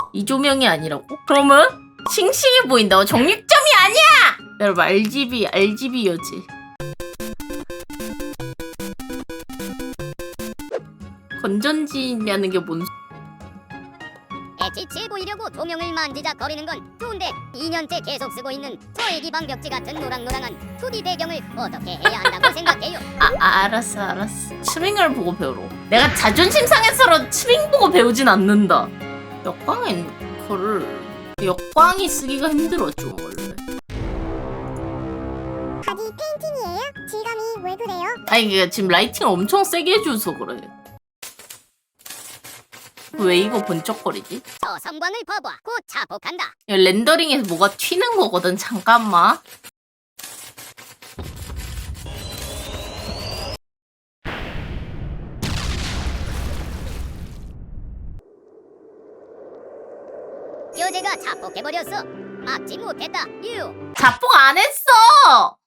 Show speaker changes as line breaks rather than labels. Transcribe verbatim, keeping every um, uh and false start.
이 조명이 아니라고? 그러면 싱싱해 보인다. 정육점이 아니야. 여러분 알지비 알지비 여지. 건전지냐는 게 뭔?
애지치해 보이려고 조명을 만지작거리는 건 좋은데 이 년째 계속 쓰고 있는 저 애기방 벽지 같은 노랑노랑한 투디 배경을 어떻게 해야 한다고 생각해요?
아, 아 알았어 알았어. 스윙을 보고 배우러. 내가 자존심 상해서라도 스윙 보고 배우진 않는다. 역광 앵커를 역광이 쓰기가 힘들어 좀 원래.
바디 페인팅이에요? 질감이 왜 그래요?
아니 이게 지금 라이팅을 엄청 세게 해줘서 그래. 왜 이거 번쩍거리지?
저 성광을 봐봐. 곧 자폭한다.
이거 렌더링에서 뭐가 튀는 거거든. 잠깐만.
교재가 자폭해버렸어. 막지 못했다. 유.
자폭 안 했어.